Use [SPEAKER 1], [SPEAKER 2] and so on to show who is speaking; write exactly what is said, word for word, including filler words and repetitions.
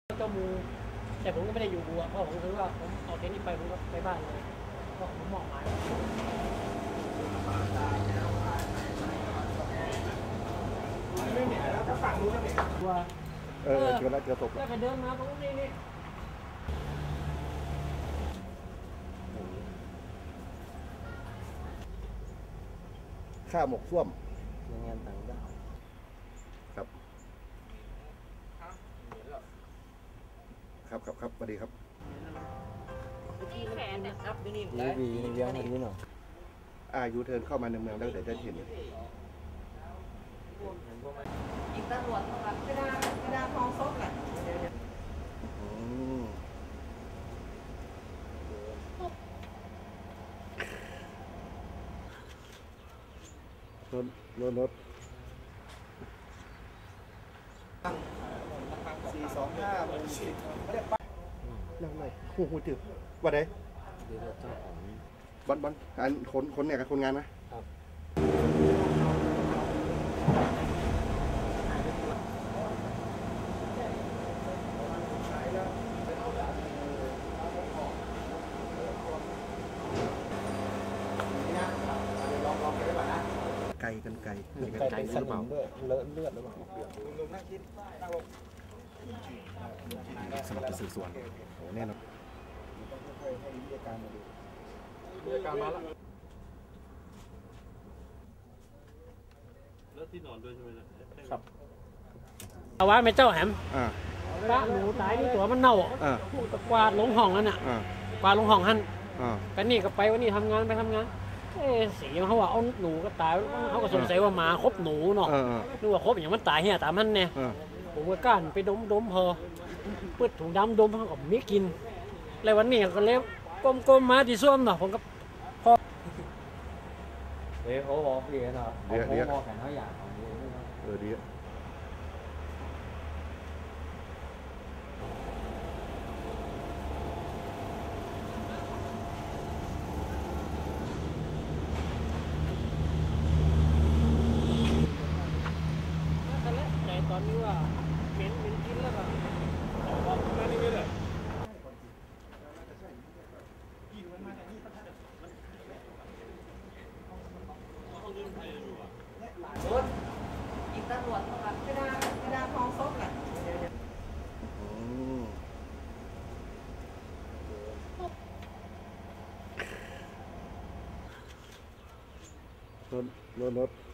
[SPEAKER 1] เจ้ามูแต่ผมก็ไม่ได้อยู่อ่ะเพราะผมคือว่าผมเอาเทนนี้ไปผมก็ไปบ้านเลยเพราะผมมองหมายไม่เหนียวแล้วถ้าฝั่งนู้นก็เหนียวว่าเออเจอแล้วเจอศพแล้วก็เดินมาตรงนี้นี่
[SPEAKER 2] ข้าหมกส้วม
[SPEAKER 3] งานต่างด้าว
[SPEAKER 2] ครับครับครับครับสวัสดีครับ
[SPEAKER 1] ที่แขนเนี่ยครับอยู่นี่
[SPEAKER 3] ดีวีนี่เลี้ยงมาดีเนาะ
[SPEAKER 2] อายุเทินเข้ามาในเมืองแล้วเดี๋ยวจะเห็น
[SPEAKER 1] อีกตำรวจแบบเวลาเวลาทองซบแหละ
[SPEAKER 2] รถรถรถสี่สองห้าหกสิบนั่งเลยโอ้โหจืดวันไหน
[SPEAKER 3] เดี๋ยวเจ้าของ
[SPEAKER 2] บอลบอลอันคนคนเนี่ยกับคนงานนะครับไก่กันไก่
[SPEAKER 3] ไก่หรือเปล่าเลอะเลือดหรือเปล่า
[SPEAKER 2] สมัครสืบสวนโอ้แน่นอน
[SPEAKER 4] การมาแล้วแล้วที่นอนด้วยใช่ไหมครับ
[SPEAKER 1] เอาไว้ไม่เจ้าแหม
[SPEAKER 2] อ่า
[SPEAKER 1] ป้าหนูตายนี่ตัวมันเน่าอ่ะกวาดลงห้องนั่นน่ะกวาดลงห้องหันไปนี่ก็ไปวันนี้ทำงานไปทำงานเอ๊สีเขาว่าเอาหนูก็ตายเขาก็สงสัยว่าหมาคบหนูเนาะนึกว่าคบอย่างมันตายเหี้ยตามมันเนี่ยผมก็ก้านไปดมดมพอเปิดถุงดำดมเขาก็ไม่กินแล้ววันนี้ก็เล็บก้มๆมาที่ส้วมเนาะผมก็พอ
[SPEAKER 3] เดี๋ยวเขาบอกดีเนาะเขาบอกแข่งเขาอยากของดี
[SPEAKER 2] เออดี
[SPEAKER 1] ตอนนี้ว่าเหม็นเหม็นกินแล้วก็ออกมานี่เลยรถอีกตำรวจแบบเวลาเวลาทองซบแหละ
[SPEAKER 2] รถรถรถ